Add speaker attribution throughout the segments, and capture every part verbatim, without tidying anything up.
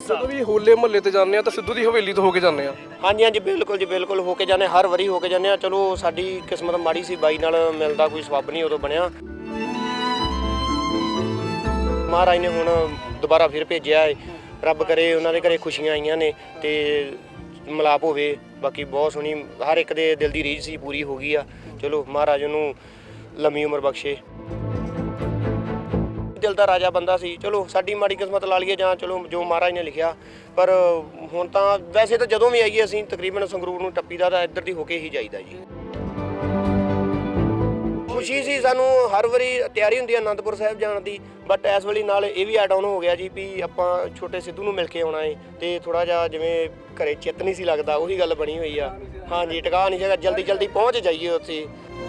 Speaker 1: ਜਦੋਂ ਵੀ ਹੋਲੇ ਮਹੱਲੇ ਤੇ ਜਾਂਦੇ ਆ ਤਾਂ ਸਿੱਧੂ ਦੀ ਹਵੇਲੀ ਤੋਂ ਹੋ ਕੇ ਜਾਂਦੇ ਆ।
Speaker 2: ਹਾਂਜੀ ਹਾਂਜੀ ਬਿਲकुल ਜੀ ਬਿਲकुल ਹੋ ਕੇ ਜਾਂਦੇ, ਹਰ ਵਾਰੀ ਹੋ ਕੇ ਜਾਂਦੇ ਆ। ਚਲੋ ਸਾਡੀ ਕਿਸਮਤ ਮਾੜੀ ਸੀ, ਬਾਈ ਨਾਲ ਮਿਲਦਾ ਕੋਈ ਸਬੱਬ ਨਹੀਂ ਉਦੋਂ ਬਣਿਆ। ਮਹਾਰਾਜ ਨੇ ਹੁਣ ਦੁਬਾਰਾ ਫਿਰ ਭੇਜਿਆ ਹੈ, ਰੱਬ ਕਰੇ ਉਹਨਾਂ ਦੇ ਘਰੇ ਖੁਸ਼ੀਆਂ ਆਈਆਂ ਨੇ ਤੇ ਮਿਲਾਪ ਹੋਵੇ। ਬਾਕੀ ਬਹੁਤ ਸੋਹਣੀ ਹਰ ਇੱਕ ਦੇ ਦਿਲ ਦੀ ਰੀਝ ਸੀ, ਪੂਰੀ ਹੋ ਗਈ ਆ। ਚਲੋ ਮਹਾਰਾਜ ਉਹਨੂੰ ਲੰਮੀ ਉਮਰ ਬਖਸ਼ੇ। ਦਿਲ ਦਾ ਰਾਜਾ ਬੰਦਾ ਸੀ, ਚਲੋ ਸਾਡੀ ਮਾੜੀ ਕਿਸਮਤ ਲਾ ਲਈਏ ਜਾਂ ਚਲੋ ਜੋ ਮਹਾਰਾਜ ਨੇ ਲਿਖਿਆ। ਪਰ ਹੁਣ ਤਾਂ ਵੈਸੇ ਤਾਂ ਜਦੋਂ ਵੀ ਆਈਏ ਅਸੀਂ ਤਕਰੀਬਨ ਸੰਗਰੂਰ ਨੂੰ ਟੱਪੀਦਾ ਤਾਂ ਇੱਧਰ ਦੀ ਹੋ ਕੇ ਹੀ ਜਾਈਦਾ ਜੀ। ਖੁਸ਼ੀ ਸੀ ਸਾਨੂੰ, ਹਰ ਵਾਰੀ ਤਿਆਰੀ ਹੁੰਦੀ ਹੈ ਅਨੰਦਪੁਰ ਸਾਹਿਬ ਜਾਣ ਦੀ, ਬਟ ਇਸ ਵੇਲੇ ਨਾਲ ਇਹ ਵੀ ਐਡ ਆਨ ਹੋ ਗਿਆ ਜੀ ਵੀ ਆਪਾਂ ਛੋਟੇ ਸਿੱਧੂ ਨੂੰ ਮਿਲ ਕੇ ਆਉਣਾ ਹੈ ਤੇ ਥੋੜਾ ਜਿਹਾ ਜਿਵੇਂ ਘਰੇ ਚਿੱਤ ਨਹੀਂ ਸੀ ਲੱਗਦਾ, ਉਹੀ ਗੱਲ ਬਣੀ ਹੋਈ ਆ। ਹਾਂਜੀ ਟਿਕਾ ਨਹੀਂ ਸੀਗਾ, ਜਲਦੀ ਜਲਦੀ ਪਹੁੰਚ ਜਾਈਏ ਉੱਥੇ।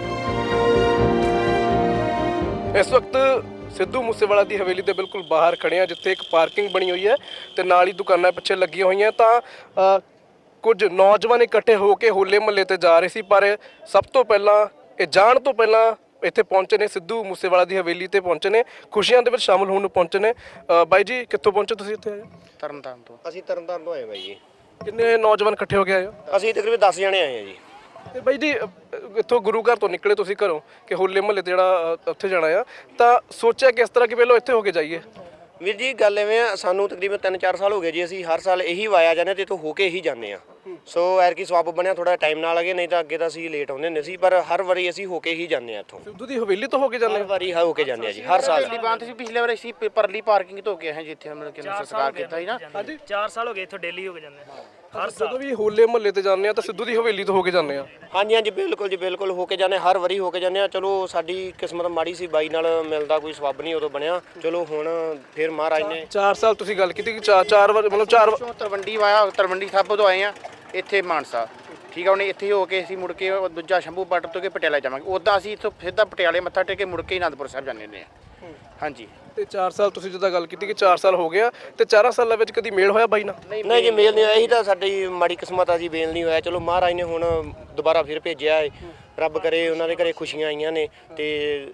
Speaker 1: ਇਸ ਵਕਤ ਸਿੱਧੂ ਮੂਸੇਵਾਲਾ ਦੀ ਹਵੇਲੀ ਦੇ ਬਿਲਕੁਲ ਬਾਹਰ ਖੜੇ ਆ, ਜਿੱਥੇ ਇੱਕ ਪਾਰਕਿੰਗ ਬਣੀ ਹੋਈ ਹੈ ਤੇ ਨਾਲ ਹੀ ਦੁਕਾਨਾਂ ਪਿੱਛੇ ਲੱਗੀਆਂ ਹੋਈਆਂ। ਤਾਂ ਕੁਝ ਨੌਜਵਾਨ ਇਕੱਠੇ ਹੋ ਕੇ ਹੋਲੇ ਮਹੱਲੇ ਤੇ ਜਾ ਰਹੇ ਸੀ, ਪਰ ਸਭ ਤੋਂ ਪਹਿਲਾਂ ਇਹ ਜਾਣ ਤੋਂ ਪਹਿਲਾਂ ਇੱਥੇ ਪਹੁੰਚੇ ਨੇ, ਸਿੱਧੂ ਮੂਸੇਵਾਲਾ ਦੀ ਹਵੇਲੀ ਤੇ ਪਹੁੰਚੇ ਨੇ, ਖੁਸ਼ੀਆਂ ਦੇ ਵਿੱਚ ਸ਼ਾਮਲ ਹੋਣ ਨੂੰ ਪਹੁੰਚੇ ਨੇ। ਬਾਈ ਜੀ ਕਿੱਥੋਂ ਪਹੁੰਚੇ ਤੁਸੀਂ ਇੱਥੇ?
Speaker 2: ਤਰਨਤਾਰਨ ਤੋਂ। ਅਸੀਂ ਤਰਨਤਾਰਨ ਤੋਂ ਆਏ ਬਾਈ ਜੀ।
Speaker 1: ਕਿੰਨੇ ਨੌਜਵਾਨ ਇਕੱਠੇ ਹੋ ਕੇ ਆਏ ਹੋ?
Speaker 2: ਅਸੀਂ ਤਕਰੀਬਨ ਦਸ ਜਣੇ ਆਏ ਆ ਜੀ।
Speaker 1: ਤੇ ਬਾਈ ਜੀ ਇੱਥੋਂ ਗੁਰੂ ਘਰ ਤੋਂ ਨਿਕਲੇ ਤੁਸੀਂ ਘਰੋਂ ਕਿ ਹੋਲੇ ਮਹੱਲੇ ਤੇ ਜਿਹੜਾ ਉੱਥੇ ਜਾਣਾ ਆ, ਤਾਂ ਸੋਚਿਆ ਕਿ ਇਸ ਤਰ੍ਹਾਂ ਕਿ ਪਹਿਲਾਂ ਇੱਥੇ ਹੋ ਕੇ ਜਾਈਏ?
Speaker 2: ਵੀਰ ਜੀ ਗੱਲ ਐਵੇਂ ਆ, ਸਾਨੂੰ ਤਕਰੀਬਨ ਤਿੰਨ ਚਾਰ ਸਾਲ ਹੋ ਗਏ ਜੀ, ਅਸੀਂ ਹਰ ਸਾਲ ਇਹੀ ਵਾਇਆ ਜਾਂਦੇ ਤੇ ਇੱਥੋਂ ਹੋ ਕੇ ਹੀ ਜਾਂਦੇ ਆ। ਸੋ ਐਰਕੀ ਸਵਾਬ ਬਣਿਆ, ਥੋੜਾ ਟਾਈਮ ਨਾਲ ਲੱਗੇ, ਨਹੀਂ ਤਾਂ ਅੱਗੇ ਤਾਂ ਅਸੀਂ ਲੇਟ ਆਉਂਦੇ ਹੁੰਦੇ ਸੀ, ਪਰ ਹਰ ਵਾਰੀ ਅਸੀਂ ਹੋ ਕੇ ਹੀ ਜਾਂਦੇ ਆ ਇੱਥੋਂ।
Speaker 1: ਸਿੱਧੂ ਦੀ ਹਵੇਲੀ ਤੋਂ ਹੋ ਕੇ ਜਾਂਦੇ
Speaker 2: ਹਰ ਵਾਰੀ ਹੋ ਕੇ ਜਾਂਦੇ ਆ ਜੀ, ਹਰ ਸਾਲ।
Speaker 3: ਬਾਂਤ ਸੀ ਪਿਛਲੇ ਵਾਰ ਅਸੀਂ ਪਰਲੀ ਪਾਰਕਿੰਗ ਤੋਂ ਗਏ ਹਾਂ ਜਿੱਥੇ ਹਮ ਕਿ ਸੰਸਕਾਰ ਕੀਤਾ ਸੀ ਨਾ।
Speaker 1: ਹਾਂਜੀ
Speaker 4: ਚਾਰ ਸਾਲ ਹੋ ਗਏ ਇੱਥੋਂ ਡੇਲੀ ਹੋ ਕੇ ਜਾਂਦੇ ਹਰ
Speaker 1: ਜਦੋਂ ਵੀ ਹੋਲੇ ਮਹੱਲੇ ਤੇ ਜਾਂਦੇ ਆ ਤਾਂ ਸਿੱਧੂ ਦੀ ਹਵੇਲੀ ਤੋਂ ਹੋ ਕੇ ਜਾਂਦੇ ਆ।
Speaker 2: ਹਾਂਜੀ ਹਾਂਜੀ ਬਿਲकुल ਜੀ ਬਿਲकुल ਹੋ ਕੇ ਜਾਂਦੇ, ਹਰ ਵਾਰੀ ਹੋ ਕੇ ਜਾਂਦੇ ਆ। ਚਲੋ ਸਾਡੀ ਕਿਸਮਤ ਮਾੜੀ ਸੀ, ਬਾਈ ਨਾਲ ਮਿਲਦਾ ਕੋਈ ਸਬੱਬ ਨਹੀਂ ਉਦੋਂ ਬਣਿਆ। ਚਲੋ ਹੁਣ ਫਿਰ ਮਹਾਰਾਜ ਨੇ
Speaker 1: ਚਾਰ ਸਾਲ ਤੁਸੀਂ ਗੱਲ ਕੀਤੀ ਕਿ ਚਾਰ ਚਾਰ ਵਾਰ ਮਤਲਬ ਚਾਰ ਵਾਰ
Speaker 3: ਤਲਵੰਡੀ ਵਾਇਆ, ਤਲਵੰਡੀ ਸਾਬੋ ਤੋਂ ਆਏ ਆ ਇੱਥੇ ਮਾਨਸਾ, ਠੀਕ ਆ। ਉਹਨੇ ਇੱਥੇ ਹੋ ਕੇ ਅਸੀਂ ਮੁੜ ਕੇ ਦੂਜਾ ਸ਼ੰਭੂ ਬਾਰਡਰ ਤੋਂ ਕੇ ਪਟਿਆਲਾ ਜਾਵਾਂਗੇ। ਉੱਦਾਂ ਅਸੀਂ ਇੱਥੋਂ ਸਿੱਧਾ ਪਟਿਆਲੇ ਮੱਥਾ ਟੇਕ ਕੇ ਮੁੜ ਕੇ ਅਨੰਦਪੁਰ ਸਾਹਿਬ ਜਾਂਦੇ ਹੁੰਦੇ ਆ। ਹਾਂਜੀ
Speaker 1: ਤੇ ਚਾਰ ਸਾਲ ਤੁਸੀਂ ਜਿੱਦਾਂ ਗੱਲ ਕੀਤੀ ਕਿ ਚਾਰ ਸਾਲ ਹੋ ਗਿਆ, ਤੇ ਚਾਰਾਂ ਸਾਲਾਂ ਵਿੱਚ ਕਦੀ ਮੇਲ ਹੋਇਆ ਬਾਈ ਨਾਲ?
Speaker 2: ਨਹੀਂ ਜੀ ਮੇਲ ਨਹੀਂ ਹੋਇਆ, ਇਹੀ ਤਾਂ ਸਾਡੀ ਮਾੜੀ ਕਿਸਮਤ ਆ ਜੀ, ਮੇਲ ਨਹੀਂ ਹੋਇਆ। ਚਲੋ ਮਹਾਰਾਜ ਨੇ ਹੁਣ ਦੁਬਾਰਾ ਫਿਰ ਭੇਜਿਆ ਹੈ, ਰੱਬ ਕਰੇ ਉਹਨਾਂ ਦੇ ਘਰੇ ਖੁਸ਼ੀਆਂ ਆਈਆਂ ਨੇ ਤੇ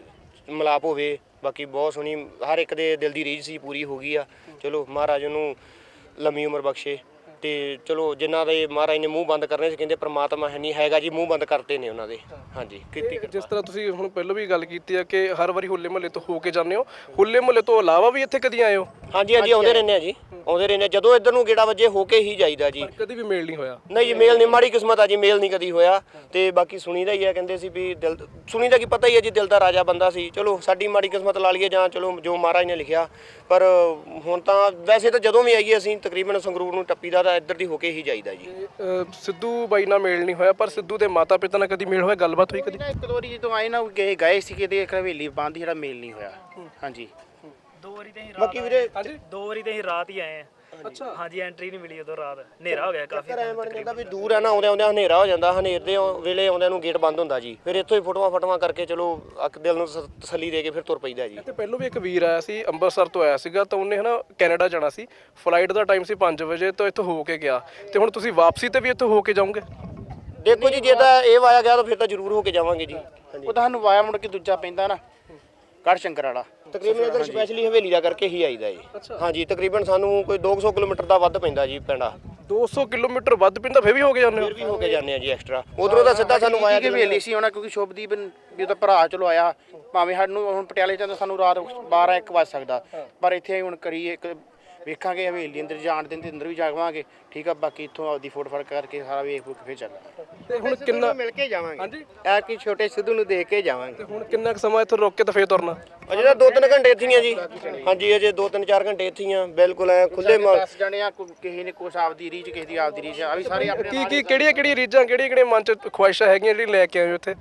Speaker 2: ਮਿਲਾਪ ਹੋਵੇ। ਬਾਕੀ ਬਹੁਤ ਸੋਹਣੀ ਹਰ ਇੱਕ ਦੇ ਦਿਲ ਦੀ ਰੀਝ ਸੀ, ਪੂਰੀ ਹੋ ਗਈ ਆ। ਚਲੋ ਮਹਾਰਾਜ ਉਹਨੂੰ ਲੰਮੀ ਉਮਰ ਬਖਸ਼ੇ। ਤੇ ਚਲੋ ਜਿਨ੍ਹਾਂ ਦੇ ਮਹਾਰਾਜ ਨੇ ਮੂੰਹ ਬੰਦ ਕਰਨੇ ਸੀ, ਕਹਿੰਦੇ ਪ੍ਰਮਾਤਮਾ ਹੈ ਨਹੀਂ ਹੈਗਾ ਜੀ, ਮੂੰਹ ਬੰਦ ਕਰਤੇ ਨੇ ਉਹਨਾਂ ਦੇ। ਹਾਂਜੀ ਕੀਤੀ।
Speaker 1: ਜਿਸ ਤਰ੍ਹਾਂ ਤੁਸੀਂ ਹੁਣ ਪਹਿਲਾਂ ਵੀ ਗੱਲ ਕੀਤੀ ਹੈ ਕਿ ਹਰ ਵਾਰੀ ਹੋਲੇ ਮਹੱਲੇ ਤੋਂ ਹੋ ਕੇ ਜਾਂਦੇ ਹੋ, ਹੋਲੇ ਮਹੱਲੇ ਤੋਂ ਇਲਾਵਾ ਵੀ ਇੱਥੇ ਕਦੀ ਆਏ ਹੋ?
Speaker 2: ਹਾਂਜੀ ਹਾਂਜੀ ਆਉਂਦੇ ਰਹਿੰਦੇ ਆ ਜੀ, ਆਉਂਦੇ ਰਹਿੰਦੇ। ਜਦੋਂ ਇੱਧਰ ਨੂੰ ਗੇੜਾ ਵੱਜੇ ਹੋ ਕੇ ਹੀ ਜਾਈਦਾ ਜੀ।
Speaker 1: ਕਦੀ ਵੀ ਮੇਲ ਨਹੀਂ ਹੋਇਆ?
Speaker 2: ਨਹੀਂ ਜੀ ਮੇਲ ਨਹੀਂ, ਮਾੜੀ ਕਿਸਮਤ ਆ ਜੀ, ਮੇਲ ਨਹੀਂ ਕਦੀ ਹੋਇਆ। ਤੇ ਬਾਕੀ ਸੁਣੀਦਾ ਹੀ ਆ, ਕਹਿੰਦੇ ਸੀ ਵੀ ਦਿਲ ਸੁਣੀਦਾ ਕੀ ਪਤਾ ਹੀ ਹੈ ਜੀ, ਦਿਲ ਦਾ ਰਾਜਾ ਬੰਦਾ ਸੀ। ਚਲੋ ਸਾਡੀ ਮਾੜੀ ਕਿਸਮਤ ਲਾ ਲਈਏ ਜਾਂ ਚਲੋ ਜੋ ਮਹਾਰਾਜ ਨੇ ਲਿਖਿਆ। ਪਰ ਹੁਣ ਤਾਂ ਵੈਸੇ ਤਾਂ ਜਦੋਂ ਵੀ ਆਈਏ ਅਸੀਂ ਤਕਰੀਬਨ ਸੰਗਰੂਰ ਨੂੰ ਟੱਪੀਦਾ ਤਾਂ ਇੱਧਰ ਦੀ ਹੋ ਕੇ ਹੀ ਜਾਈਦਾ ਜੀ।
Speaker 1: ਸਿੱਧੂ ਬਾਈ ਨਾਲ ਮੇਲ ਨਹੀਂ ਹੋਇਆ, ਪਰ ਸਿੱਧੂ ਦੇ ਮਾਤਾ ਪਿਤਾ ਨਾਲ ਕਦੀ ਮੇਲ ਹੋਇਆ, ਗੱਲਬਾਤ ਹੋਈ ਕਦੀ?
Speaker 3: ਇੱਕ ਦੋ ਵਾਰੀ ਜਦੋਂ ਆਏ ਨਾ ਗਏ ਗਏ ਸੀ ਕਿਤੇ ਹਵੇਲੀ ਬੰਦ, ਜਿਹੜਾ ਮੇਲ ਨਹੀਂ ਹੋਇਆ। ਹਾਂਜੀ
Speaker 4: ਦੋ ਵਾਰੀ ਤੇ ਹੀ ਰਾਤ
Speaker 2: ਬਾਕੀ ਵੀਰੇ
Speaker 4: ਦੋ ਵਾਰੀ ਤੇ ਹੀ ਰਾਤ ਹੀ ਆਏ ਆ।
Speaker 1: ਅੱਛਾ
Speaker 4: ਹਾਂਜੀ ਐਂਟਰੀ ਨਹੀਂ ਮਿਲੀ ਉਦੋਂ, ਰਾਤ ਹਨੇਰਾ ਹੋ ਗਿਆ ਕਾਫੀ।
Speaker 2: ਐ ਬਣ ਜਾਂਦਾ ਵੀ ਦੂਰ ਆ ਨਾ, ਆਉਂਦੇ ਆਉਂਦੇ ਹਨੇਰਾ ਹੋ ਜਾਂਦਾ, ਹਨੇਰ ਦੇ ਵੇਲੇ ਆਉਂਦਿਆਂ ਨੂੰ ਗੇਟ ਬੰਦ ਹੁੰਦਾ ਜੀ। ਫਿਰ ਇੱਥੋਂ ਹੀ ਫੋਟੋਆਂ ਫਟਵਾ ਕਰਕੇ ਚਲੋ ਅੱਖ ਦਿਲ ਨੂੰ ਤਸੱਲੀ ਦੇ ਕੇ ਫਿਰ ਤੁਰ ਪਈਦਾ ਜੀ।
Speaker 1: ਤੇ ਪਹਿਲੋਂ ਵੀ ਇੱਕ ਵੀਰ ਆਇਆ ਸੀ, ਅੰਮ੍ਰਿਤਸਰ ਤੋਂ ਆਇਆ ਸੀਗਾ, ਤਾਂ ਉਹਨੇ ਹਨਾ ਕੈਨੇਡਾ ਜਾਣਾ ਸੀ, ਫਲਾਈਟ ਦਾ ਟਾਈਮ ਸੀ ਪੰਜ ਵਜੇ, ਤਾਂ ਇੱਥੋਂ ਹੋ ਕੇ ਗਿਆ। ਤੇ ਹੁਣ ਤੁਸੀਂ ਵਾਪਸੀ ਤੇ ਵੀ ਇੱਥੋਂ ਹੋ ਕੇ ਜਾਓਗੇ?
Speaker 2: ਦੇਖੋ ਜੀ ਜੇ ਤਾਂ ਇਹ ਵਾਇਆ ਗਿਆ ਤਾਂ ਫਿਰ ਤਾਂ ਜ਼ਰੂਰ ਹੋ ਕੇ ਜਾਵਾਂਗੇ ਜੀ।
Speaker 3: ਉਹ ਤਾਂ ਸਾਨੂੰ ਵਾਇਆ ਮੁੜ ਕੇ ਦੂਜਾ ਪੈਂਦਾ ਨਾ, ਗੜ੍ਹ ਸ਼ੰਕਰ ਵਾਲਾ।
Speaker 2: ਤਕਰੀਬਨ ਇੱਧਰ ਸਪੈਸ਼ਲੀ ਹਵੇਲੀ ਦਾ ਕਰਕੇ ਹੀ ਆਈਦਾ ਜੀ। ਹਾਂਜੀ ਤਕਰੀਬਨ ਸਾਨੂੰ ਕੋਈ ਦੋ ਸੌ ਕਿਲੋਮੀਟਰ ਦਾ ਵੱਧ ਪੈਂਦਾ ਜੀ ਪਿੰਡਾ।
Speaker 1: ਦੋ ਸੌ ਕਿਲੋਮੀਟਰ ਵੱਧ ਪੈਂਦਾ, ਫਿਰ ਵੀ ਹੋ ਕੇ ਜਾਂਦੇ ਹੋ?
Speaker 2: ਫਿਰ ਵੀ ਹੋ ਕੇ ਜਾਂਦੇ ਆ ਜੀ ਐਕਸਟਰਾ। ਉਧਰੋਂ ਤਾਂ ਸਿੱਧਾ ਸਾਨੂੰ ਵਾਇਆ
Speaker 3: ਕਿ ਹਵੇਲੀ ਸੀ ਉਹਨਾਂ, ਕਿਉਂਕਿ ਸ਼ੁਭਦੀਪ ਵੀ ਉਹਦਾ ਭਰਾ ਚਲੋ ਆਇਆ, ਭਾਵੇਂ ਸਾਨੂੰ ਹੁਣ ਪਟਿਆਲੇ ਚ ਸਾਨੂੰ ਰਾਤ ਬਾਰਾਂ ਇੱਕ ਵੱਜ ਸਕਦਾ, ਪਰ ਇੱਥੇ ਹੁਣ ਕਰੀਏ ਇੱਕ ਵੇਖਾਂਗੇ ਹਵੇਲੀ ਅੰਦਰ ਜਾਣ ਦੇ ਅੰਦਰ ਵੀ ਜਾਵਾਂਗੇ, ਠੀਕ ਆ। ਬਾਕੀ ਇੱਥੋਂ ਆਪਦੀ ਫੋਟ ਫੜ ਕਰਕੇ ਸਾਰਾ ਵੇਖ ਫੁੱਕ ਫਿਰ ਚੱਲਾਂਗੇ।
Speaker 1: ਤੇ ਹੁਣ ਕਿੰਨਾ
Speaker 2: ਮਿਲ ਕੇ ਜਾਵਾਂਗੇ?
Speaker 1: ਹਾਂਜੀ
Speaker 2: ਐ ਕਿ ਛੋਟੇ ਸਿੱਧੂ ਨੂੰ ਦੇਖ ਕੇ ਜਾਵਾਂਗੇ।
Speaker 1: ਤੇ ਹੁਣ ਕਿੰਨਾ ਕੁ ਸਮਾਂ ਇੱਥੇ ਰੁਕ ਕੇ ਤਾਂ ਫੇਰ ਤੁਰਨਾ?
Speaker 2: ਅਜੇ ਤਾਂ ਦੋ ਤਿੰਨ ਘੰਟੇ ਇੱਥੇ ਹੀ ਆ ਜੀ। ਹਾਂਜੀ ਅਜੇ ਦੋ ਤਿੰਨ ਚਾਰ ਘੰਟੇ ਇੱਥੇ ਹੀ ਆ, ਬਿਲਕੁਲ ਐ ਖੁੱਲੇ ਮਾਰ।
Speaker 3: ਦਸ ਜਣੇ ਆ, ਕਿਸੇ ਨੇ ਕੁਛ ਆਪਦੀ ਰੀਝ, ਕਿਸੇ ਦੀ ਆਪਦੀ ਰੀਝ ਆ, ਵੀ ਸਾਰੇ ਆਪਣੇ
Speaker 1: ਕੀ ਕੀ ਕਿਹੜੀਆਂ ਕਿਹੜੀਆਂ ਰੀਝਾਂ, ਕਿਹੜੀਆਂ ਕਿਹੜੀਆਂ ਮਨ ਚ ਖੁਆਇਸ਼ਾਂ ਹੈਗੀਆਂ ਜਿਹੜੀ ਲੈ ਕੇ ਆਏ ਹੋ ਇੱਥੇ?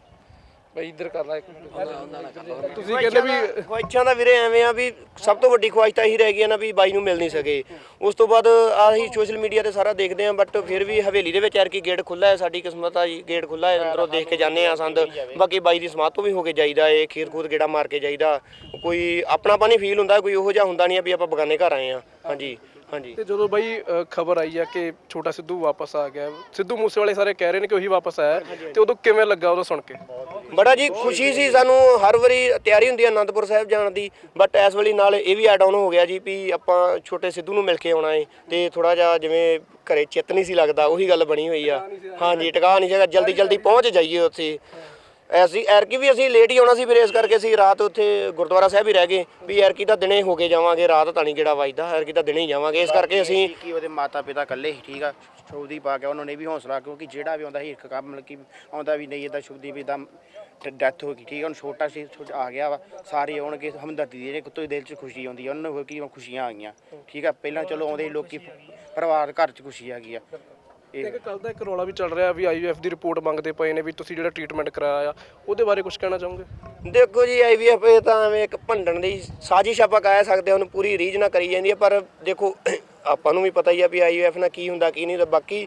Speaker 1: ਬਈ ਇੱਧਰ ਕਰ ਲੈ। ਤੁਸੀਂ ਕਹਿੰਦੇ ਵੀ
Speaker 2: ਖੁਆਇਸ਼ਾਂ ਦਾ ਵੀਰੇ ਐਵੇਂ ਆ ਵੀ ਸਭ ਤੋਂ ਵੱਡੀ ਖੁਆਇਸ਼ ਤਾਂ ਇਹੀ ਰਹਿ ਗਈ ਨਾ ਵੀ ਬਾਈ ਨੂੰ ਮਿਲ ਨਹੀਂ ਸਕੇ। ਉਸ ਤੋਂ ਬਾਅਦ ਆਹੀ ਸੋਸ਼ਲ ਮੀਡੀਆ ਤੇ ਸਾਰਾ ਦੇਖਦੇ ਆ, ਬਟ ਫਿਰ ਵੀ ਹਵੇਲੀ ਦੇ ਵਿੱਚ ਐਰ ਕੀ ਗੇਟ ਖੁੱਲ੍ਹਾ ਹੈ, ਸਾਡੀ ਕਿਸਮਤ ਆ ਜੀ, ਗੇਟ ਖੁੱਲ੍ਹਾ ਹੈ, ਅੰਦਰੋਂ ਦੇਖ ਕੇ ਜਾਂਦੇ ਆ ਸੰਦ। ਬਾਕੀ ਬਾਈ ਦੀ ਸਮਾਧ ਤੋਂ ਵੀ ਹੋ ਕੇ ਜਾਈਦਾ ਏ, ਖੀਰ ਖੂਦ ਗੇੜਾ ਮਾਰ ਕੇ ਜਾਈਦਾ। ਕੋਈ ਆਪਣਾਪਨ ਹੀ ਫੀਲ ਹੁੰਦਾ, ਕੋਈ ਉਹੋ ਜਿਹਾ ਹੁੰਦਾ ਨਹੀਂ ਆ ਵੀ ਆਪਾਂ ਬਗਾਨੇ ਘਰ ਆਏ ਆ। ਹਾਂਜੀ ਹਾਂਜੀ
Speaker 1: ਤੇ ਜਦੋਂ ਬਾਈ ਖਬਰ ਆਈ ਆ ਕਿ ਛੋਟਾ ਸਿੱਧੂ ਵਾਪਸ ਆ ਗਿਆ, ਸਿੱਧੂ ਮੂਸੇਵਾਲੇ ਸਾਰੇ ਕਹਿ ਰਹੇ ਨੇ ਕਿ ਉਹੀ ਵਾਪਸ ਆਇਆ, ਤੇ ਉਦੋਂ ਕਿਵੇਂ ਲੱਗਾ ਉਦੋਂ ਸੁਣ ਕੇ?
Speaker 2: ਬੜਾ ਜੀ ਖੁਸ਼ੀ ਸੀ ਸਾਨੂੰ। ਹਰ ਵਾਰੀ ਤਿਆਰੀ ਹੁੰਦੀ ਹੈ ਅਨੰਦਪੁਰ ਸਾਹਿਬ ਜਾਣ ਦੀ, ਬਟ ਇਸ ਵੇਲੇ ਨਾਲ ਇਹ ਵੀ ਐਡ ਆਨ ਹੋ ਗਿਆ ਜੀ ਵੀ ਆਪਾਂ ਛੋਟੇ ਸਿੱਧੂ ਨੂੰ ਮਿਲ ਕੇ ਆਉਣਾ ਹੈ, ਤੇ ਥੋੜਾ ਜਿਹਾ ਜਿਵੇਂ ਘਰੇ ਚਿੱਤ ਨਹੀਂ ਸੀ ਲੱਗਦਾ, ਉਹੀ ਗੱਲ ਬਣੀ ਹੋਈ ਆ। ਹਾਂਜੀ ਟਿਕਾ ਨਹੀਂ ਸੀਗਾ, ਜਲਦੀ ਜਲਦੀ ਪਹੁੰਚ ਜਾਈਏ ਉੱਥੇ। ਐਸੀ ਐਰਕੀ ਵੀ ਅਸੀਂ ਲੇਟ ਹੀ ਆਉਣਾ ਸੀ, ਫਿਰ ਇਸ ਕਰਕੇ ਅਸੀਂ ਰਾਤ ਉੱਥੇ ਗੁਰਦੁਆਰਾ ਸਾਹਿਬ ਹੀ ਰਹਿ ਗਏ ਵੀ ਐਰਕੀ ਤਾਂ ਦਿਨੇ ਹੋ ਕੇ ਜਾਵਾਂਗੇ, ਰਾਤ ਤਾਂ ਨਹੀਂ ਕਿਹੜਾ ਵੱਜਦਾ, ਐਰਕੀ ਤਾਂ ਦਿਨੇ ਹੀ ਜਾਵਾਂਗੇ। ਇਸ ਕਰਕੇ ਅਸੀਂ
Speaker 3: ਕੀ ਉਹਦੇ ਮਾਤਾ ਪਿਤਾ ਇਕੱਲੇ ਸੀ, ਠੀਕ ਆ, ਸ਼ੁਭਦੀਪ ਆ ਗਿਆ, ਉਹਨਾਂ ਨੇ ਵੀ ਹੌਸਲਾ, ਕਿਉਂਕਿ ਜਿਹੜਾ ਵੀ ਆਉਂਦਾ ਸੀ ਇੱਕ ਕੰਮ ਮਤਲਬ ਕਿ ਆਉਂਦਾ ਵੀ ਨਹੀਂ ਇੱਦਾਂ ਸ਼ੁਭਦੀਪ ਇੱਦਾਂ ਡੈਥ ਹੋ ਗਈ, ਠੀਕ ਆ, ਹੁਣ ਛੋਟਾ ਸੀ ਛੋਟਾ ਆ ਗਿਆ ਵਾ, ਸਾਰੇ ਆਉਣਗੇ ਹਮਦਰਦੀ ਦੇ ਕੁੱਤੇ ਦਿਲ 'ਚ ਖੁਸ਼ੀ ਆਉਂਦੀ ਆ, ਉਹਨਾਂ ਨੂੰ ਕੀ ਖੁਸ਼ੀਆਂ ਆ ਗਈਆਂ, ਠੀਕ ਆ। ਪਹਿਲਾਂ ਚਲੋ ਆਉਂਦੇ ਲੋਕੀ ਪਰਿਵਾਰ ਘਰ 'ਚ ਖੁਸ਼ੀ ਆ ਗਈ ਆ।
Speaker 1: ਇੱਕ ਕੱਲ ਦਾ ਇੱਕ ਰੌਲਾ ਵੀ ਚੱਲ ਰਿਹਾ ਵੀ ਆਈ ਯੂ ਐਫ ਦੀ ਰਿਪੋਰਟ ਮੰਗਦੇ ਪਏ ਨੇ ਵੀ ਤੁਸੀਂ ਜਿਹੜਾ ਟ੍ਰੀਟਮੈਂਟ ਕਰਾਇਆ ਆ ਉਹਦੇ ਬਾਰੇ ਕੁਝ ਕਹਿਣਾ ਚਾਹੋਗੇ?
Speaker 2: ਦੇਖੋ ਜੀ ਆਈ ਵੀ ਐਫ ਇਹ ਤਾਂ ਐਵੇਂ ਇੱਕ ਭੰਡਣ ਦੀ ਸਾਜ਼ਿਸ਼ ਆਪਾਂ ਕਹਿ ਸਕਦੇ ਹਾਂ, ਉਹਨੂੰ ਪੂਰੀ ਰੀਝ ਨਾ ਕਰੀ ਜਾਂਦੀ ਹੈ, ਪਰ ਦੇਖੋ ਆਪਾਂ ਨੂੰ ਵੀ ਪਤਾ ਹੀ ਆ ਵੀ ਆਈ ਯੂ ਐਫ ਨਾਲ ਕੀ ਹੁੰਦਾ ਕੀ ਨਹੀਂ ਹੁੰਦਾ। ਬਾਕੀ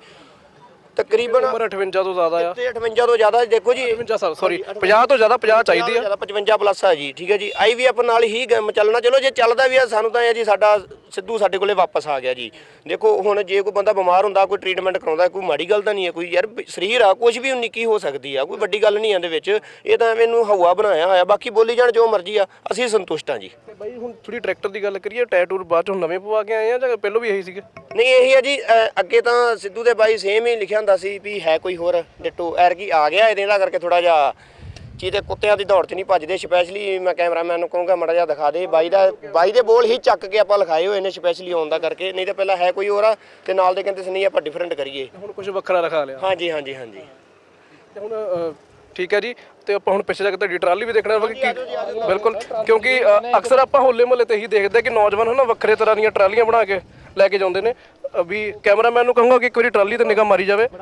Speaker 2: ਤਕਰੀਬਨ
Speaker 1: ਉਮਰ ਅਠਵੰਜਾ ਤੋਂ ਜ਼ਿਆਦਾ ਆ,
Speaker 2: ਤੇ ਅਠਵੰਜਾ ਤੋਂ ਜ਼ਿਆਦਾ ਦੇਖੋ ਜੀ,
Speaker 1: ਅਠਵੰਜਾ ਸਾਲ ਸੌਰੀ ਪੰਜਾਹ ਤੋਂ ਜ਼ਿਆਦਾ, ਪੰਜਾਹ ਚਾਹੀਦੀ ਆ,
Speaker 2: ਜ਼ਿਆਦਾ ਪਚਵੰਜਾ ਪਲੱਸ ਆ ਜੀ, ਠੀਕ ਹੈ ਜੀ। ਆਈ ਵੀ ਐਫ ਨਾਲ ਹੀ ਕੰਮ ਚੱਲਣਾ, ਚਲੋ ਜੇ ਚੱਲਦਾ ਵੀ ਆ ਸਾਨੂੰ ਤਾਂ ਇਹ ਜੀ ਸਾਡਾ ਸਿੱਧੂ ਸਾਡੇ ਕੋਲੇ ਵਾਪਸ ਆ ਗਿਆ ਜੀ। ਦੇਖੋ ਹੁਣ ਜੇ ਕੋਈ ਬੰਦਾ ਬਿਮਾਰ ਹੁੰਦਾ, ਕੋਈ ਟ੍ਰੀਟਮੈਂਟ ਕਰਾਉਂਦਾ, ਕੋਈ ਮਾੜੀ ਗੱਲ ਤਾਂ ਨਹੀਂ ਹੈ, ਕੋਈ ਯਾਰ ਸਰੀਰ ਆ, ਕੁਝ ਵੀ ਨਿੱਕੀ ਹੋ ਸਕਦੀ ਆ, ਕੋਈ ਵੱਡੀ ਗੱਲ ਨਹੀਂ ਇਹਦੇ ਵਿੱਚ। ਇਹ ਤਾਂ ਐਵੇਂ ਨੂੰ ਹਵਾ ਬਣਾਇਆ ਹੋਇਆ, ਬਾਕੀ ਬੋਲੀ ਜਾਣ ਜੋ ਮਰਜ਼ੀ ਆ, ਅਸੀਂ ਸੰਤੁਸ਼ਟ ਹਾਂ ਜੀ।
Speaker 1: ਤੇ ਬਾਈ ਹੁਣ ਥੋੜੀ ਟਰੈਕਟਰ ਦੀ ਗੱਲ ਕਰੀਏ, ਟੈਟੂਰ ਬਾਅਦ ਚੋਂ ਨਵੇਂ ਪਵਾ ਕੇ ਆਏ ਆ ਜਾਂ ਪਹਿਲਾਂ ਵੀ ਇਹੀ ਸੀਗੇ?
Speaker 2: ਨਹੀਂ ਇਹੀ ਹੈ ਜੀ, ਅ, ਅੱਗੇ ਤਾਂ ਸਿੱਧੂ ਦੇ ਬਾਈ ਸੇਮ ਹੀ ਲਿਖਿਆ ਹੁੰਦਾ ਸੀ ਵੀ ਹੈ ਕੋਈ ਹੋਰ ਡਿੱਟੋ, ਐਰਕੀ ਆ ਗਿਆ ਇਹਦੇ ਨਾਲ ਕਰਕੇ ਥੋੜਾ ਜਿਹਾ ਚੀਤੇ ਕੁੱਤਿਆਂ ਦੀ ਦੌੜ 'ਚ ਨਹੀਂ ਭੱਜਦੇ। ਸਪੈਸ਼ਲੀ ਮੈਂ ਕੈਮਰਾਮੈਨ ਨੂੰ ਕਹੂੰਗਾ ਮਾੜਾ ਜਿਹਾ ਦਿਖਾ ਦੇ, ਬਾਈ ਦਾ ਬਾਈ ਦੇ ਬੋਲ ਹੀ ਚੱਕ ਕੇ ਆਪਾਂ ਲਿਖਾਏ ਹੋਏ ਨੇ ਸਪੈਸ਼ਲੀ ਆਉਣ ਦਾ ਕਰਕੇ, ਨਹੀਂ ਤਾਂ ਪਹਿਲਾਂ ਹੈ ਕੋਈ ਹੋਰ ਆ ਤੇ ਨਾਲ ਦੇ ਕਹਿੰਦੇ ਸੀ ਨਹੀਂ ਆਪਾਂ ਡਿਫਰੈਂਟ ਕਰੀਏ।
Speaker 1: ਹੁਣ ਕੁਝ ਵੱਖਰਾ ਰਖਾ ਲਿਆ।
Speaker 2: ਹਾਂਜੀ ਹਾਂਜੀ ਹਾਂਜੀ
Speaker 1: ਤੇ ਹੁਣ ਅ, ਠੀਕ ਹੈ ਜੀ, ਤੇ ਆਪਾਂ ਹੁਣ ਪਿੱਛੇ ਜਾ ਕੇ ਤੁਹਾਡੀ ਟਰਾਲੀ ਵੀ ਦੇਖਣਾ ਕਿ ਬਿਲਕੁਲ, ਕਿਉਂਕਿ ਅ, ਅਕਸਰ ਆਪਾਂ ਹੋਲੇ ਮਹੱਲੇ ਤੇ ਹੀ ਦੇਖਦੇ ਕਿ ਨੌਜਵਾਨ ਹਨਾ ਵੱਖਰੇ ਤਰ੍ਹਾਂ ਦੀਆਂ ਟਰਾਲੀਆਂ ਬਣਾ ਕੇ ਲੈ ਕੇ ਜਾਂਦੇ ਨੇ। ਅ, ਵੀ ਕੈਮਰਾਮੈਨ ਨੂੰ ਕਹੂੰਗਾ ਕਿ ਇੱਕ ਵਾਰੀ ਟਰਾਲੀ ਤੇ ਨਿਗਾਹ ਮਾਰੀ ਜਾਵੇ।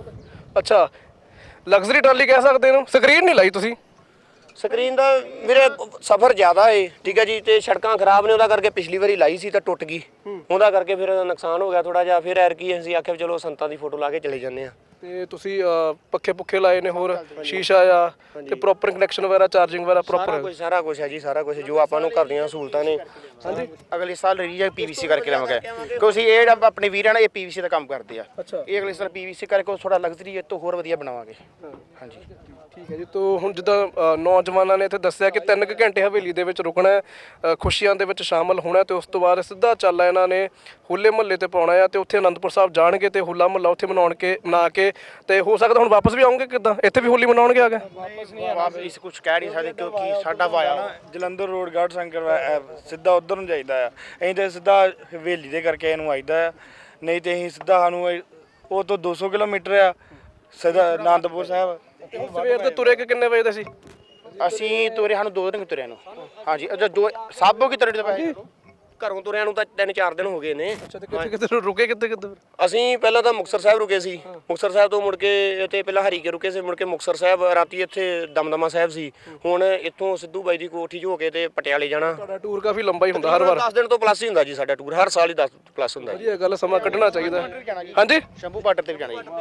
Speaker 1: ਅੱਛਾ ਲਗਜ਼ਰੀ ਟਰਾਲੀ ਕਹਿ ਸਕਦੇ ਇਹਨੂੰ, ਸਕਰੀਨ ਨਹੀਂ ਲਾਈ ਤੁਸੀਂ?
Speaker 2: ਸਕਰੀਨ ਦਾ ਵੀਰੇ ਸਫ਼ਰ ਜ਼ਿਆਦਾ ਏ, ਠੀਕ ਹੈ ਜੀ, ਤੇ ਸੜਕਾਂ ਖਰਾਬ ਨੇ, ਉਹਦਾ ਕਰਕੇ ਪਿਛਲੀ ਵਾਰੀ ਲਾਈ ਸੀ ਤਾਂ ਟੁੱਟ ਗਈ, ਉਹਦਾ ਕਰਕੇ ਫਿਰ ਨੁਕਸਾਨ ਹੋ ਗਿਆ ਥੋੜਾ ਜਿਹਾ। ਫਿਰ ਐਰਕੀ ਅਸੀਂ ਆਖਿਆ ਚਲੋ ਸੰਤਾਂ ਦੀ ਫੋਟੋ ਲਾ ਕੇ ਚਲੇ ਜਾਂਦੇ ਆ।
Speaker 1: ਤੇ ਤੁਸੀਂ ਅ, ਪੱਖੇ ਪੁੱਖੇ ਲਾਏ ਨੇ, ਹੋਰ ਸ਼ੀਸ਼ਾ ਆ ਤੇ ਪ੍ਰੋਪਰ ਕਨੈਕਸ਼ਨ ਵਗੈਰਾ, ਚਾਰਜਿੰਗ ਵਗੈਰਾ
Speaker 2: ਸਾਰਾ
Speaker 1: ਪ੍ਰੋਪਰ?
Speaker 2: ਕੁਝ ਸਾਰਾ ਕੁਝ ਹੈ ਜੀ, ਸਾਰਾ ਕੁਝ ਜੋ ਆਪਾਂ ਨੂੰ ਘਰ ਦੀਆਂ ਸਹੂਲਤਾਂ ਨੇ।
Speaker 3: ਹਾਂਜੀ ਅਗਲੇ ਸਾਲ ਰੀਜਾ ਪੀਵੀਸੀ ਕਰਕੇ ਲਵਾਂਗੇ, ਕਿਉਂਕਿ ਇਹ ਜਿਹੜਾ ਆਪਣੇ ਵੀਰਾਂ ਨੇ ਇਹ ਪੀਵੀਸੀ ਦਾ ਕੰਮ ਕਰਦੇ ਆ।
Speaker 1: ਅੱਛਾ
Speaker 3: ਇਹ ਅਗਲੇ ਸਾਲ ਪੀਵੀਸੀ ਕਰਕੇ ਥੋੜਾ ਲਗਜ਼ਰੀ ਇਹ ਤੋਂ ਹੋਰ ਵਧੀਆ ਬਣਾਵਾਂਗੇ। ਹਾਂਜੀ
Speaker 1: ਠੀਕ ਹੈ ਜੀ। ਤੋ ਹੁਣ ਜਿੱਦਾਂ ਅ, ਨੌਜਵਾਨਾਂ ਨੇ ਇੱਥੇ ਦੱਸਿਆ ਕਿ ਤਿੰਨ ਕੁ ਘੰਟੇ ਹਵੇਲੀ ਦੇ ਵਿੱਚ ਰੁਕਣਾ ਹੈ, ਅ, ਖੁਸ਼ੀਆਂ ਦੇ ਵਿੱਚ ਸ਼ਾਮਲ ਹੋਣਾ, ਤੇ ਉਸ ਤੋਂ ਬਾਅਦ ਸਿੱਧਾ ਚੱਲ ਇਹਨਾਂ ਨੇ ਹੋਲੇ ਮਹੱਲੇ ਤੇ ਪਾਉਣਾ ਆ, ਤੇ ਉੱਥੇ ਅਨੰਦਪੁਰ ਸਾਹਿਬ ਜਾਣਗੇ ਤੇ ਹੋਲਾ ਮਹੱਲਾ ਉੱਥੇ ਮਨਾਉਣ ਕੇ ਮਨਾ ਕੇ, ਤੇ ਹੋ ਸਕਦਾ ਹੁਣ ਵਾਪਸ ਵੀ ਆਉਂਗੇ, ਕਿੱਦਾਂ ਇੱਥੇ ਵੀ ਹੋਲੀ ਮਨਾਉਣਗੇ ਆ ਕੇ?
Speaker 3: ਵਾਪਸ ਇਸ ਕੁਝ ਕਹਿ ਨਹੀਂ ਸਕਦੇ ਕਿਉਂਕਿ ਸਾਡਾ ਵਾਇਆ
Speaker 5: ਜਲੰਧਰ ਰੋਡ ਗਾਰਡ ਸੰਕਰ ਵਾ- ਅਹ ਸਿੱਧਾ ਉਧਰ ਨੂੰ ਜਾਈਦਾ ਆ, ਅਸੀਂ ਤਾਂ ਸਿੱਧਾ ਹਵੇਲੀ ਦੇ ਕਰਕੇ ਇਹਨੂੰ ਆਈਦਾ ਆ, ਨਹੀਂ ਤੇ ਅਸੀਂ ਸਿੱਧਾ ਸਾਨੂੰ ਇਹ- ਉਹ ਤੋਂ ਦੋ ਸੌ ਕਿਲੋਮੀਟਰ ਆ ਸਿੱਧਾ ਅਨੰਦਪੁਰ ਸਾਹਿਬ।
Speaker 1: ਸਵੇਰ ਦੇ ਤੁਰੇ ਕਿ ਕਿੰਨੇ ਵਜੇ ਦੇ ਸੀ?
Speaker 3: ਅਸੀਂ ਤੁਰੇ ਸਾਨੂੰ ਦੋ ਦਿਨ ਤੁਰਿਆ ਨੂੰ। ਹਾਂਜੀ ਅੱਛਾ ਦੋ ਸਾਬੋ ਕੀ ਤਰ੍ਹਾਂ ਦੇ ਪਏ
Speaker 2: ਘਰੋਂ ਤੁਰਿਆਂ ਨੂੰ ਤਾਂ ਤਿੰਨ ਚਾਰ ਦਿਨ ਹੋ ਗਏ ਨੇ।
Speaker 1: ਅੱਛਾ, ਤੇ ਕਿੱਥੇ ਕਿੱਥੇ ਰੁਕੇ, ਕਿੱਥੇ ਕਿੱਥੇ?
Speaker 2: ਅਸੀਂ ਪਹਿਲਾਂ ਤਾਂ ਮੁਕਤਸਰ ਸਾਹਿਬ ਰੁਕੇ ਸੀ, ਮੁਕਤਸਰ ਸਾਹਿਬ ਤੋਂ ਮੁੜ ਕੇ ਇੱਥੇ ਪਹਿਲਾਂ ਹਰੀਕੇ ਰੁਕੇ ਸੀ, ਮੁੜ ਕੇ ਮੁਕਤਸਰ ਸਾਹਿਬ, ਰਾਤੀ ਇੱਥੇ ਦਮਦਮਾ ਸਾਹਿਬ ਸੀ। ਹੁਣ ਇੱਥੋਂ ਸਿੱਧੂ ਬਾਈ ਦੀ ਕੋਠੀ 'ਚ ਹੋ ਕੇ ਤੇ ਪਟਿਆਲੇ ਜਾਣਾ।
Speaker 1: ਤੁਹਾਡਾ ਟੂਰ ਕਾਫੀ ਲੰਬਾ ਹੀ ਹੁੰਦਾ ਹਰ ਵਾਰ?
Speaker 2: ਦਸ ਦਿਨ ਤੋਂ ਪਲੱਸ ਹੀ ਹੁੰਦਾ ਜੀ ਸਾਡਾ ਟੂਰ, ਹਰ ਸਾਲ ਹੀ ਦਸ ਪਲੱਸ ਹੁੰਦਾ ਜੀ।
Speaker 1: ਵਧੀਆ ਗੱਲ, ਸਮਾਂ ਕੱਢਣਾ ਚਾਹੀਦਾ। ਹਾਂਜੀ
Speaker 3: ਸ਼ੰਭੂ ਬਾਰਡਰ ਤੇ ਵੀ ਜਾਣਾ ਜੀ।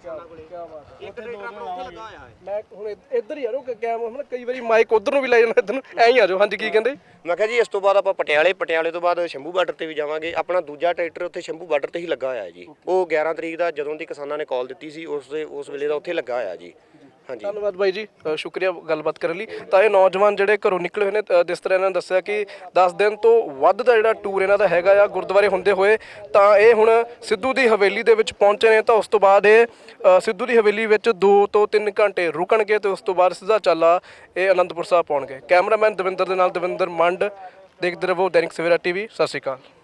Speaker 1: ਮੈਂ ਹੁਣ ਇੱਧਰ ਹੀ ਆ ਰੋ ਕੈਮ, ਹੁਣ ਕਈ ਵਾਰੀ ਮਾਈਕ ਉਧਰ ਨੂੰ ਵੀ ਲੈ ਜਾਣਾ, ਇੱਧਰ ਨੂੰ ਐਂ ਹੀ ਆ ਜਾਓ। ਹਾਂਜੀ ਕੀ ਕਹਿੰਦੇ?
Speaker 2: ਮੈਂ ਕਿਹਾ ਜੀ ਇਸ ਤੋਂ ਬਾਅਦ ਆਪਾਂ ਪਟਿਆਲੇ, ਪਟਿਆਲੇ ਤੋਂ ਬਾਅਦ ਸ਼ੰਭੂ ਬਾਰਡਰ ਤੇ ਵੀ ਜਾਵਾਂਗੇ। ਆਪਣਾ ਦੂਜਾ ਟਰੈਕਟਰ ਉੱਥੇ ਸ਼ੰਭੂ ਬਾਰਡਰ ਤੇ ਹੀ ਲੱਗਾ ਹੋਇਆ ਜੀ, ਉਹ ਗਿਆਰਾਂ ਤਰੀਕ ਦਾ ਜਦੋਂ ਦੀ ਕਿਸਾਨਾਂ ਨੇ ਕਾਲ ਦਿੱਤੀ ਸੀ ਉਸ ਦੇ ਉਸ ਵੇਲੇ ਦਾ ਉੱਥੇ ਲੱਗਾ ਹੋਇਆ ਜੀ। ਹਾਂਜੀ
Speaker 1: ਧੰਨਵਾਦ ਬਾਈ ਜੀ, ਅ, ਸ਼ੁਕਰੀਆ ਗੱਲਬਾਤ ਕਰਨ ਲਈ। ਤਾਂ ਇਹ ਨੌਜਵਾਨ ਜਿਹੜੇ ਘਰੋਂ ਨਿਕਲੇ ਹੋਏ ਨੇ, ਅ, ਜਿਸ ਤਰ੍ਹਾਂ ਇਹਨਾਂ ਨੇ ਦੱਸਿਆ ਕਿ ਦਸ ਦਿਨ ਤੋਂ ਵੱਧ ਦਾ ਜਿਹੜਾ ਟੂਰ ਇਹਨਾਂ ਦਾ ਹੈਗਾ ਆ ਗੁਰਦੁਆਰੇ ਹੁੰਦੇ ਹੋਏ, ਤਾਂ ਇਹ ਹੁਣ ਸਿੱਧੂ ਦੀ ਹਵੇਲੀ ਦੇ ਵਿੱਚ ਪਹੁੰਚੇ ਨੇ। ਤਾਂ ਉਸ ਤੋਂ ਬਾਅਦ ਇਹ ਅ, ਸਿੱਧੂ ਦੀ ਹਵੇਲੀ ਵਿੱਚ ਦੋ ਤੋਂ ਤਿੰਨ ਘੰਟੇ ਰੁਕਣਗੇ ਤੇ ਉਸ ਤੋਂ ਬਾਅਦ ਸਿੱਧਾ ਚਾਲਾ ਇਹ ਅਨੰਦਪੁਰ ਸਾਹਿਬ ਪਹੁੰਚਣਗੇ। ਕੈਮਰਾਮੈਨ ਦਵਿੰਦਰ ਦੇ ਨਾਲ ਦਵਿੰਦਰ ਮੰਡ, ਦੇਖਦੇ ਰਹੋ ਦੈਨਿਕ ਸਵੇਰਾ ਟੀਵੀ। ਸਤਿ ਸ਼੍ਰੀ ਅਕਾਲ।